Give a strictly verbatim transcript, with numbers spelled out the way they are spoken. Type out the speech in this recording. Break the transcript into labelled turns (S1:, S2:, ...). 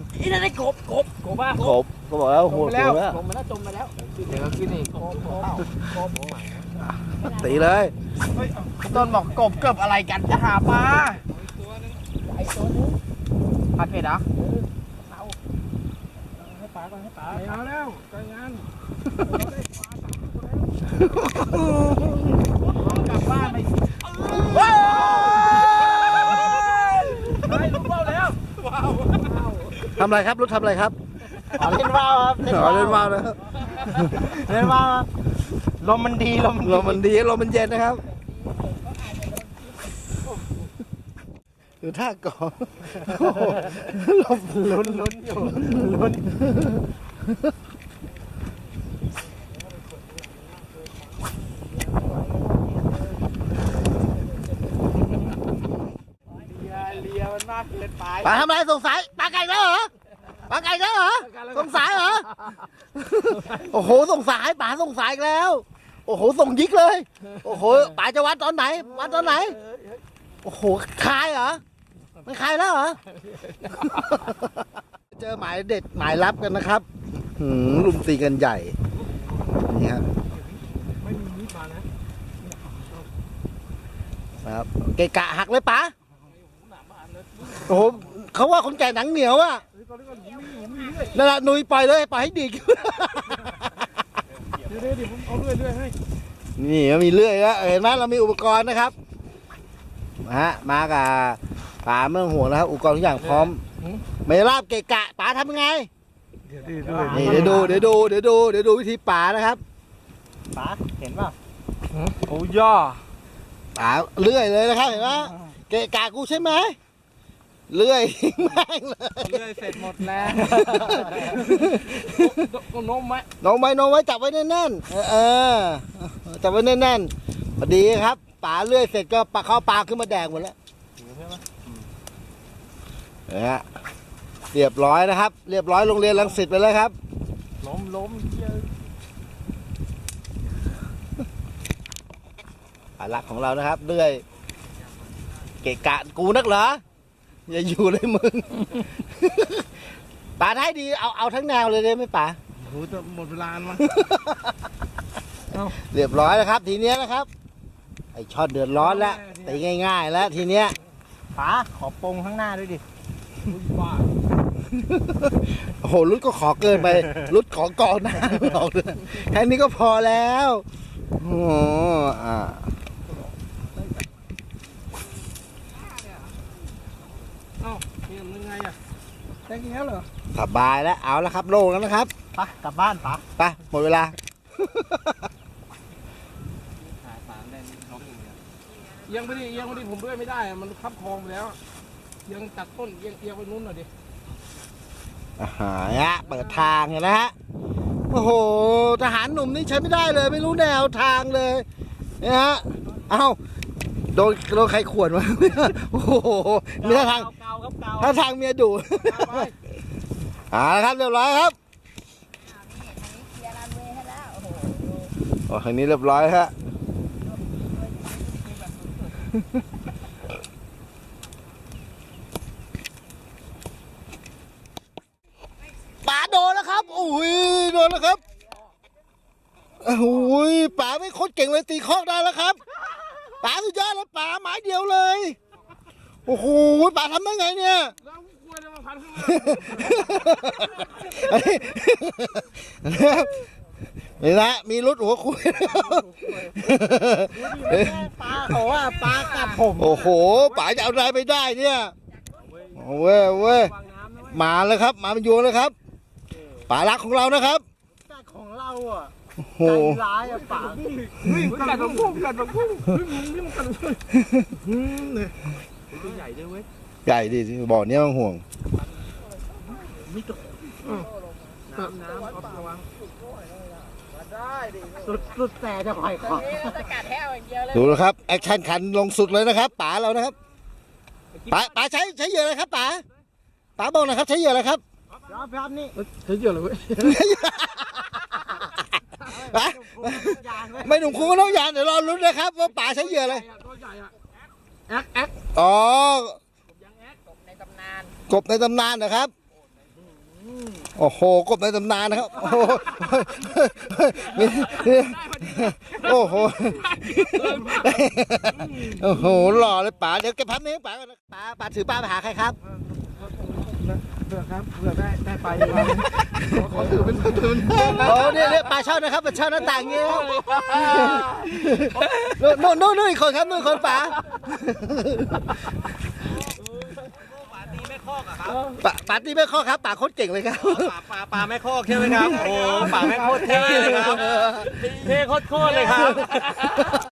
S1: นี่นั่นไอ้กบกบกบบ้าก
S2: บก็บอกแล้วโหดแล้ว
S1: จมไปแล้วจมไปแล้ว
S3: เดี๋ยวขึ้นอีก
S1: กบกบกบ
S2: ตีเลย
S3: ต้นบอกกบเกือบอะไรกันจะหาปลา
S1: ไอ้ตัวนึง
S3: ผัดเผ็ดเหรอ
S1: เอาให้ปลาก่อนให้ปลา
S3: ไม่เอาแล้วใจงานกลับบ้านไปไปลุกเบ้าแล้ว
S2: ทำอะไรครับรถทำอะไรครับ
S3: อ๋อเล่นว่าวครับ
S2: อ๋อเล่นว่าวนะครับ
S3: เล่นว่าวลมมันดีลม
S2: ลมมันดีลมมันเย็นนะครับดูท่าก่อนลม
S3: ลุ้นลุ้นอยู่ลุ้นเลียเลียมันมากเกินไป
S2: ปลาทำอะไรสงสัยปลาไก่แล้วเหรอปลาไก่แล้วเหรอสงสัยเหรอโอ้โหสงสัยปลาสงสัยแล้ว โอ้โหส่งยิกเลยโอ้โหปลาจะวัดตอนไหนวัดตอนไหนโอ้โหคายเหรอไม่คายแล้วเหรอเจอหมายเด็ดหมายลับกันนะครับหืมลุมตีกันใหญ่นี่ครับ
S3: ไม่มีมีดมานะครับ
S2: เกะกะหักเลยปะโอ้โหเขาว่าคนแก่หนังเหนียวอ่ะนั่นแหละนุยปล่อยเลยปล่อยให้ดีด
S3: เดี๋ยวเดี๋ยวผมเอาเรื่อยเรื่อยให้
S2: นี่มีเลื่อยแล้วเห็นไหมเรามีอุปกรณ์นะครับมาฮะมากับป๋าเมืองห่วงนะครับอุปกรณ์ทุกอย่างพร้อมไม่ราบเกะกะป๋าทำยังไง
S3: เดี๋ยวดูด้วย
S2: นี่เดี๋ยวดูเดี๋ยวดูเดี๋ยวดูเดี๋ยวดูวิธีป๋านะครับ
S3: ป๋าเห็นป่ะโอ้ย่อ
S2: ป๋าเลื่อยเลยนะครับเห็นไหมเกะกะกูใช่ไหมเลื่อยทิ้งแม่งเลย
S3: เรื่อยเสร็จหมดแล้วก็นมไหม
S2: น้องไว้น้องไว้จับไว้แน่นๆเออเออจับไว้แน่นๆพอดีครับป๋าเลื่อยเสร็จก็ปลาเข้าปลาขึ้นมาแดงหมดแล้วนะฮะเรียบร้อยนะครับ เรียบร้อยโรงเรียนรังสิตไปแล้วครับ
S3: ล้มล้มเยอะ
S2: ปลาลักของเรานะครับเลื่อยเกะกะกูนักเหรออย่าอยู่เลยมึง ป๋าท้ายดีเอาเอาทั้งแนวเลยได้ไหมป๋า
S3: โอ้โหจะหมดเวลามั้ง
S2: เรียบร้อยแล้วครับ ทีเนี้ยนะครับไอช็อตเดือดร้อนแล้วตีง่ายๆแล้วทีเนี้ย
S3: ป๋าขอปงข้างหน้าด้วยดิบ้า
S2: โอ้โหรุดก็ขอเกินไปรุดขอกองหน้าบอกเลยแค่นี้ก็พอแล้วโอ้โหอ่า
S3: เอ้านี่มันยังไงอ่ะแค่นี้เหรอ
S2: สบายแล้วเอาแล้วครับโล่งแล้วนะครับ
S3: ป๋ากลับบ้านป๋า
S2: ไปหมดเวลา
S3: เอียังไม่ได้เอียังไม่ได้ผมด้วยไม่ได้อะมันคับคลองไปแล้วเอียังตัดต้นเอียงเอียงไปนู้นหน่อยดิ
S2: อาหารฮะเปิดทางเห็นไหมฮะโอ้โหทหารหนุ่มนี่ใช้ไม่ได้เลย ไม่รู้แนวทางเลยเนี่ยฮะเอ้าโดนโดนใครขวนวะ โอ้โหเนื้อทาง
S3: เกาครับเกา
S2: ถ้าทางเมียดุ
S3: ไป
S2: อ่าครับเรียบร้อยครับ
S1: เคลียร์รันเวย์ให้แล้วโอ้โห
S2: โอ้ทางนี้เรียบร้อยฮะป๋าโดนแล้วครับโอ้ยโดนแล้วครับโอ้ยป๋าไม่โคตรเก่งเลยตีคอกได้แล้วครับป๋าสุดยอดเลยป๋าหมายเดียวเลยโอ้โหป๋าทำได้ไงเนี่ย
S3: แล้วกล้วยจะมาพันข้าง
S2: นี่นะมีรุดหัวคุย
S3: ปลาเขาว่าปลากัดผม
S2: โอ้โหป๋าจะเอาอะไรไปได้เนี่ยโอ้เว้ยเว้ยมาเลยครับมาเป็นยวงเลยครับป๋ารักของเรานะครับ
S3: กัดของเราอ่ะ
S2: โอ้โห
S3: ใจร้ายอ่ะปลาเฮ้ยกัดของพุ่งกัดของพุ่งเฮ้ยมึงนี่มันกัดเลยเนี่ยตัวใหญ่ด้วยเว้ย
S2: ใหญ่ดิบ่อเนี้ยมันห่วง
S3: ตัดน้ำเอาระวัง
S1: สุดสุดแต่จะปล่อยของสกัดแห้วอย่างเดียวเลย
S2: ดูนะครับแอคชั่นขันลงสุดเลยนะครับป๋าเรานะครับป๋าป๋าใช้ใช้เหยื่ออะไรครับป๋าป๋าบอกหนะครับใช้เหยื่ออะไรครับ
S3: รับรับนี่ใช้เยอะเลยเว้ย
S2: ป๋าไม่หนุ่มคุณก็ต้องยานเดี๋ยวรอลุ้นนะครับว่าป๋าใช้เหยื่ออะไร
S3: ตัวใหญ่อะแอ๊กแอ๊ก
S2: อ๋อ
S1: ยังแอดกบในตำนาน
S2: กบในตำนานนะครับโอ้โหกบในตำนานนะครับ โอ้โหนี่โอ้โห โอ้โหหล่อเลยป๋าเดี๋ยวเก็บพับนี้ป๋าก่อนนะป๋าป๋าถือปลาไปหาใครครับ
S3: เผื่อครับเผื่อได้ได้ไปดีกว่าขอถือเป็นถือเป็น
S2: โอ้เนี่ยเนี่ยปลาช่อนนะครับเป็นช่อนหน้าต่างเงี้ยครับนู่นนู่นนู่นอีกคนครับนู่นอีกคนป๋า
S3: ปลาตีไม่คอกอะครับ
S2: ป๋าป๋าตีไม่ข้อครับป๋าโคตรเก่งเลยครับ
S3: ปลาปลาปลาไม่คอกใช่ไหมครับโอ้ปลาไม่โคตรเท่เลยครับเท่โคตรๆเลยครับ